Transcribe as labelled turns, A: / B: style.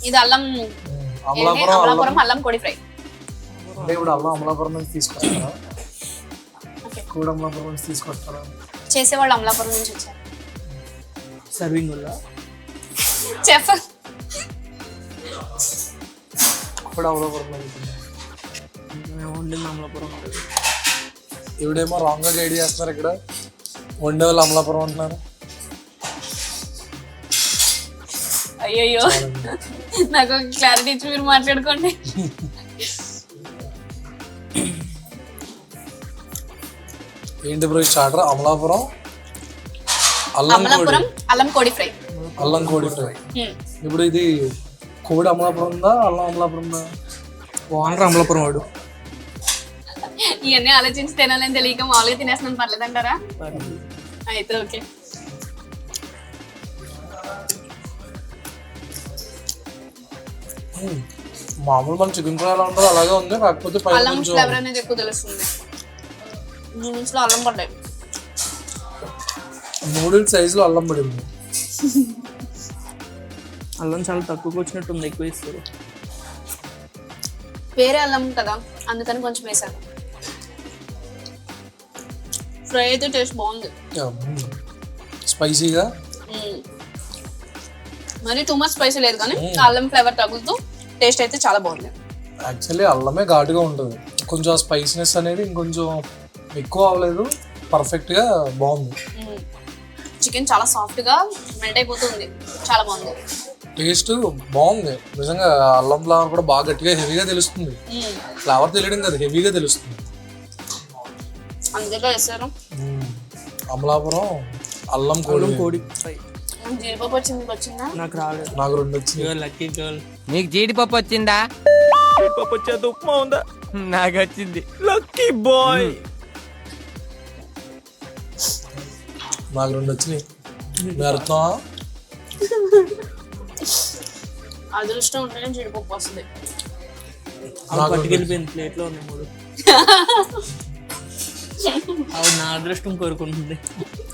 A: ఇది అల్లం అమలాపురం అల్లం కోడి ఫ్రై.
B: అంటే ఇప్పుడు అమలాపురం నుంచి తీసుకొస్తారా? కూడా అమలాపురం నుంచి తీసుకొస్తారా?
A: చేసేవాళ్ళు అమలాపురం నుంచి వచ్చారు.
B: సర్వింగ్ వల్ల
A: చెఫ్
B: కూడా అమలాపురం నుంచి వండింది అమలాపురం. ఇవిడేమో రాంగ్గా గైడ్ చేస్తున్నారు. ఇక్కడ వండే వాళ్ళు అమలాపురం అంటున్నారు.
A: అయ్యయ్యో, నాకు క్లారిటీ ఇచ్చి మీరు మాట్లాడుకోండి.
B: ఏంటి బ్రో స్టార్టర్? అమలాపురం
A: అల్లం కోడి ఫ్రై.
B: అల్లం కోడి ఫ్రై. ఇప్పుడు ఇది కోడి అమలాపురం ఉందా, అల్లం అమలాపురం ఉందా? ఓనర్ అమలాపురం వాడు.
A: ఇవన్నీ ఆలోచించి తినాలని తెలియక మామూలుగా తినేస్తున్నాను, పర్లేదంటారా? అయితే ఓకే.
B: మామూలు మన చికెన్ ఫ్రై ఎలా ఉంటుందో అలాగే ఉంది, కాకపోతే
A: అల్లం ఫ్లేవర్ అనేది ఎక్కువ తెలుస్తుంది. నూడిల్స్ లో అల్లం పడ్డాయి.
B: నూడిల్స్ సైజులో అల్లం పడింది.
C: అల్లం చాలా తక్కువగా వచ్చినట్టుంది, ఎక్కువ ఇస్తారు.
A: వేరే అల్లం కదా, అందుకని కొంచెం వేసాను. ఫ్రై అయితే టేస్ట్ బాగుంది,
B: స్పైసీగా.
A: మరి టూ మచ్ స్పైసీ లేదు, కానీ అల్లం ఫ్లేవర్ తగులుతూ టేస్ట్ అయితే చాలా బాగుంది.
B: యాక్చువల్లీ అల్లమే ఘాటుగా ఉంటుంది, కొంచెం స్పైసీనెస్ అనేది ఇంకొంచెం ఎక్కువ అవ్వలేదు, పర్ఫెక్ట్గా బాగుంది.
A: చికెన్ చాలా సాఫ్ట్గా మెల్ట్ అయిపోతుంది, చాలా బాగుంది.
B: టేస్ట్ బాగుంది నిజంగా. అల్లం ఫ్లేవర్ కూడా బాగా గట్టిగా హెవీగా తెలుస్తుంది. ఫ్లేవర్ తెలియడం కదా, హెవీగా తెలుస్తుంది.
A: అందులో వేసారు
B: అమలాపురం అల్లం కోడి
C: ఫ్రై.
A: జీడిపప్పు వచ్చిందా?
C: నాకు రాలేదు.
B: నాకు 2 వచ్చింది.
C: Lucky girl.
D: నీకు జీడిపప్పు వచ్చిందా?
C: జీడిపప్పు వచ్చేది, ఉప్మా ఉందా?
D: నాకు వచ్చింది.
C: Lucky boy.
B: నాకు 2 వచ్చినాయి. అర్థం
A: అదృష్టం ఉంటేనే జీడిపప్పు వస్తుంది.
C: పట్టుకెళ్ళిపోయింది, ప్లేట్లో ఉన్నాయి 3. అవును, నా అదృష్టం కోరుకుంటుంది.